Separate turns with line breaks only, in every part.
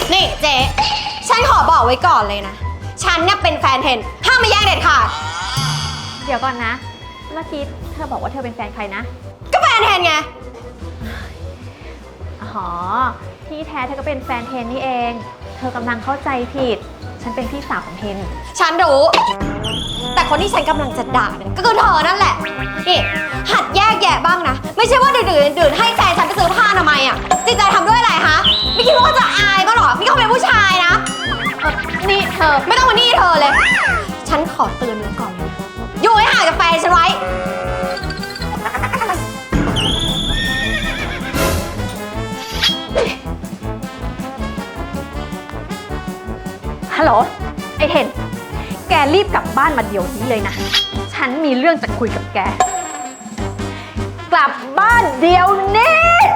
นี่เจ๊ฉันขอบอกไว้ก่อนเลยนะ ฉันเนี่ยเป็นแฟนเทนห้ามมาแย่งเด็ดขาด
เดี๋ยวก่อนนะ เมื่อกี้เธอบอกว่าเธอเป็นแฟนใครนะ
ก็แฟนเทนไง
อ๋อ ที่แท้เธอก็เป็นแฟนเทนนี่เอง เธอกำลังเข้าใจผิด ฉันเป็นพี่สาวของเทน
ฉันรู้ แต่คนที่ฉันกำลังจะด่าเนี่ยก็คือเธอนั่นแหละ นี่หัดแยกแยะบ้างนะ ไม่ใช่ว่าดื่นให้แฟนฉันไปซื้อผ้าอนามัยอ่ะจิตใจทำด้วยอะไรฮะ ไม่คิดว่าเขาจะอายบ้างหรอนี่เขาเป็นผู้ชายนะ
นี่เธอ
ไม่ต้องมานี่เธอเลย ฉันขอเตือนไว้ก่อนเลยอยู่ให้ห่างจากแฟนฉันไว้
ฮัลโหล ไอเทน แกรีบกลับบ้านมาเดี๋ยวนี้เลยนะ ฉันมีเรื่องจะคุยกับแก กลับบ้านเดี๋ยวนี้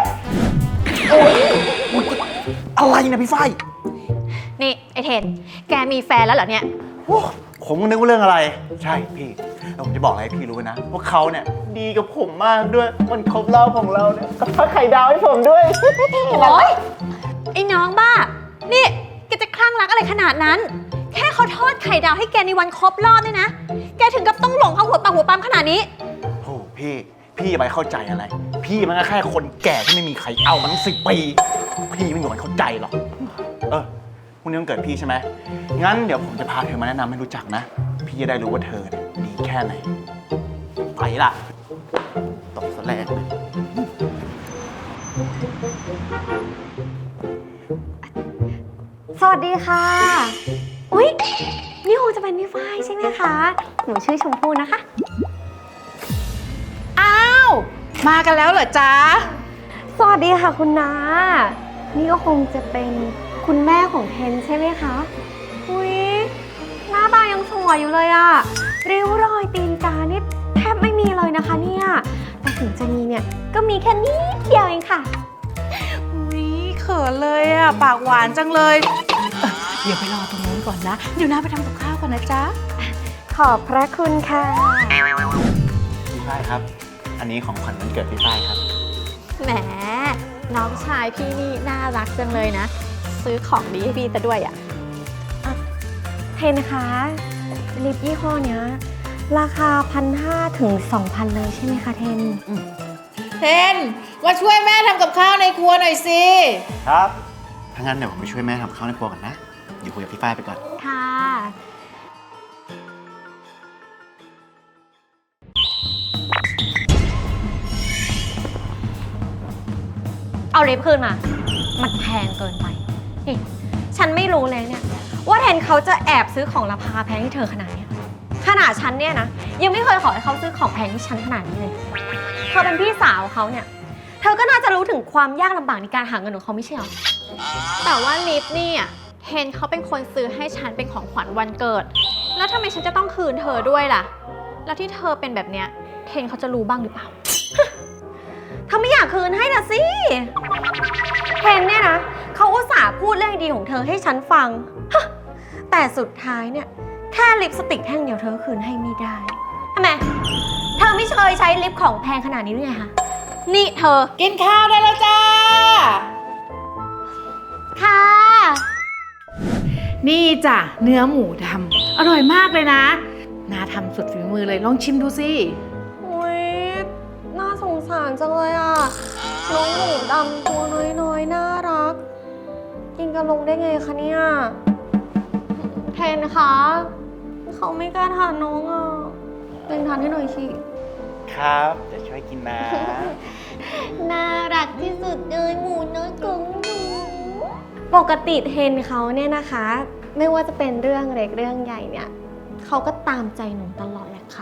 อะไรนะพี่ฝ้าย
นี่ไอเทน แกมีแฟนแล้วเหรอเนี่ย
ผมนึกว่าเรื่องอะไร ใช่พี่แล้วผมจะบอกอะไรให้พี่รู้นะว่าเขาเนี่ยดีกับผมมากด้วยวันครบรอบของเราเนี่ยก็ทอดไข่ดาวให้ผมด้วย
โอ๊ย ไอ้น้องบ้า นี่แกจะคลั่งรักอะไรขนาดนั้น แค่เขาทอดไข่ดาวให้แกในวันครบรอบเนี่ยนะ แกถึงกับต้องหลงเขาหัวปากหัวปั๊มขนาดนี้
โอ้พี่อย่าไปเข้าใจอะไร พี่มันก็แค่คนแก่ที่ไม่มีใครเอามาตั้ง10 ปี พี่ไม่มีวันเข้าใจหรอกพรุ่งนี้วันเกิดพี่ใช่ไหมงั้นเดี๋ยวผมจะพาเธอมาแนะนำให้รู้จักนะ พี่จะได้รู้ว่าเธอเนี่ยดีแค่ไหน ไปล่ะตกซะแรงเลย
สวัสดีค่ะ อุ๊ย นี่คงจะเป็นพี่ฝ้ายใช่ไหมคะ หนูชื่อชมพู่นะคะ
อ้าว มากันแล้วเหรอจ๊ะ
สวัสดีค่ะคุณน้า นี่ก็คงจะเป็นคุณแม่ของเทนใช่ไหมคะ อุ๊ย หน้าตายังสวยอยู่เลยอะริ้วรอยตีนกานี่แทบไม่มีเลยนะคะเนี่ย แต่ถึงจะมีเนี่ย ก็มีแค่นิดเดียวเองค่ะ
อุ๊ยเขินเลยอ่ะ ปากหวานจังเลยเดี๋ยวไปรอตรงนู้นก่อนนะ เดี๋ยวน้าไปทำกับข้าวก่อนนะจ๊ะ
ขอบพระคุณค่ะ
พี่ฝ้ายครับ อันนี้ของขวัญวันเกิดพี่ฝ้ายครับ
แหม น้องชายพี่นี่น่ารักจังเลยนะ ซื้อของดีให้พี่ซะด้วยอ่ะ
เทนคะลิปยี่ห้อเนี้ยราคา 1,500 ถึง 2,000 เลยใช่ไหมคะเทน
เทน มาช่วยแม่ทำกับข้าวในครัวหน่อยสิ
ครับถ้างั้นเดี๋ยวผมไปช่วยแม่ทำข้าวในครัวก่อนนะ อยู่คุยกับพี่ฝ้ายไปก่อน
ค่ะ เอาลิปคืนมา มันแพงเกินไปนี่ฉันไม่รู้เลยเนี่ย ว่าเทนเขาจะแอบซื้อของราคาแพงที่เธอขนาดเนี้ยขนาดฉันเนี่ยนะ ยังไม่เคยขอให้เขาซื้อของแพงที่ฉันขนาดนี้เลยเธอเป็นพี่สาวเขาเนี่ย เธอก็น่าจะรู้ถึงความยากลำบากในการหาเงินของเขาไม่ใช่หรอ
แต่ว่าลิปนี่อ่ะเทนเขาเป็นคนซื้อให้ฉันเป็นของขวัญวันเกิด แล้วทำไมฉันจะต้องคืนเธอด้วยล่ะ แล้วที่เธอเป็นแบบเนี้ยเทนเขาจะรู้บ้างหรือเปล่า
เธอไม่อยากคืนให้นะสิเทนเนี่ยนะเขาอุตส่าห์พูดเรื่องดีของเธอให้ฉันฟังฮะแต่สุดท้ายเนี่ยแค่ลิปสติกแท่งเดียวเธอคืนให้ไม่ได้ทำไมเธอไม่เคยใช้ลิปของแพงขนาดนี้หรือไงคะ
นี่เธอ
กินข้าวได้แล้วจ้า
ค่ะ
นี่จ้ะเนื้อหมูทำอร่อยมากเลยนะน้าทำสุดฝีมือเลย ลองชิมดูสิ
อุ้ยน่าสงสารจังเลยอ่ะน้องหมูดำตัวน้อยๆน่ารัก กินกันลงได้ไงคะเนี่ยเทนคะเขาไม่กล้าทานน้องอ่ะเป็นทานให้หน่อยสิ
ครับจะช่วยกินนะ
น่ารักที่สุดเลยหมูน้อยของหนูปกติเทนเขาเนี่ยนะคะ ไม่ว่าจะเป็นเรื่องเล็กเรื่องใหญ่เนี่ยเขาก็ตามใจหนูตลอดแหละค่ะ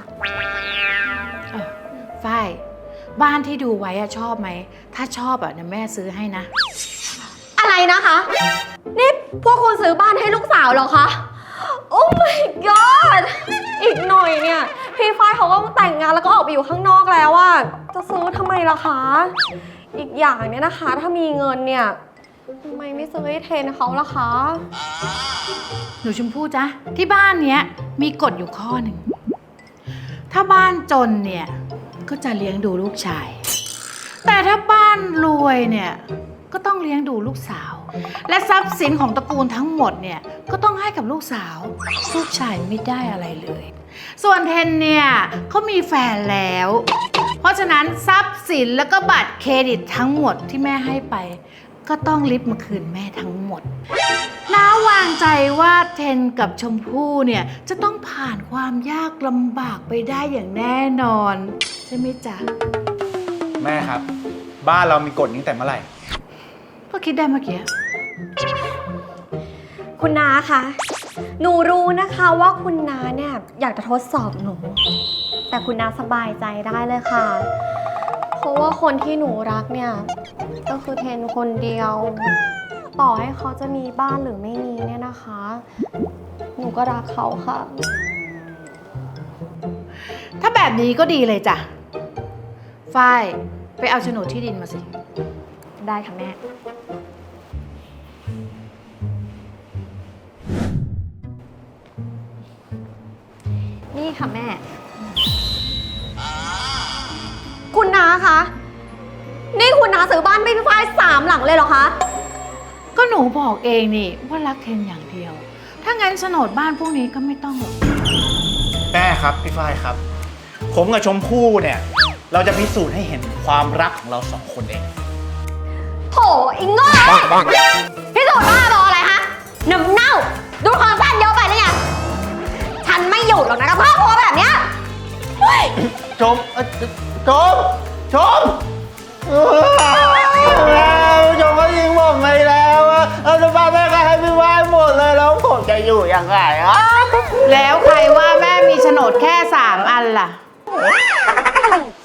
ฝ้ายบ้านที่ดูไว้อะชอบไหม ถ้าชอบอะเดี๋ยวแม่ซื้อให้นะ
อะไรนะคะ นี่พวกคุณซื้อบ้านให้ลูกสาวเหรอคะ โอ้ my god อีกหน่อยเนี่ยพี่ฝ้ายเขาก็แต่งงานแล้วก็ออกไปอยู่ข้างนอกแล้วอะจะซื้อทำไมล่ะคะ อีกอย่างเนี่ยนะคะ ถ้ามีเงินเนี่ยทำไมไม่ซื้อให้เทนเขาล่ะคะ
หนูชมพู่จ๊ะที่บ้านเนี้ยมีกฎอยู่ข้อหนึ่ง ถ้าบ้านจนเนี่ยก็จะเลี้ยงดูลูกชาย แต่ถ้าบ้านรวยเนี่ยก็ต้องเลี้ยงดูลูกสาวและทรัพย์สินของตระกูลทั้งหมดเนี่ยก็ต้องให้กับลูกสาว ลูกชายไม่ได้อะไรเลย ส่วนเทนเนี่ยเขามีแฟนแล้ว เพราะฉะนั้นทรัพย์สินแล้วก็บัตรเครดิตทั้งหมดที่แม่ให้ไป ก็ต้องริบมาคืนแม่ทั้งหมดน้าวางใจว่าเทนกับชมพู่เนี่ยจะต้องผ่านความยากลำบากไปได้อย่างแน่นอนใช่ไหมจ๊ะ
แม่ครับ บ้านเรามีกฎนี้แต่เมื่อไหร่
ก็คิดได้เมื่อกี้
คุณน้าคะ หนูรู้นะคะว่าคุณน้าเนี่ยอยากจะทดสอบหนู แต่คุณน้าสบายใจได้เลยค่ะ เพราะว่าคนที่หนูรักเนี่ยก็คือเทนคนเดียว ต่อให้เขาจะมีบ้านหรือไม่มีเนี่ยนะคะ หนูก็รักเขาค่ะ
ถ้าแบบนี้ก็ดีเลยจ้ะฝ้ายไปเอาโฉนดที่ดินมาสิ
ได้ค่ะแม่
นี่ค่ะแม่
คุณน้าคะ นี่คุณน้าซื้อบ้านไม่พี่ฝ้าย3 หลังเลยเหรอคะ
ก็หนูบอกเองนี่ว่ารักเทนอย่างเดียว ถ้างั้นโฉนดบ้านพวกนี้ก็ไม่ต้องหรอก
แม่ครับพี่ฝ้ายครับ ผมกับชมพู่เนี่ย เราจะพิสูจน์ให้เห็นความรักของเรา2 คนเอง
โถอิงโง่พี่สูจน์บ้าบออะไรฮะน้ำเน่า ดูความสั้นเยอะไปหรือไงฉันไม่อยู่หรอกนะกับครอบครัวแบบเนี้ยเฮ้ย
ชมชมแล้วชมก็ยิงผมไปแล้วจะบ้านแม่ก็ให้พี่ฝ้ายหมดเลยแล้วผมจะอยู่ยังไงอ่ะ
แล้วใครว่าแม่มีโฉนดแค่3 อันล่ะ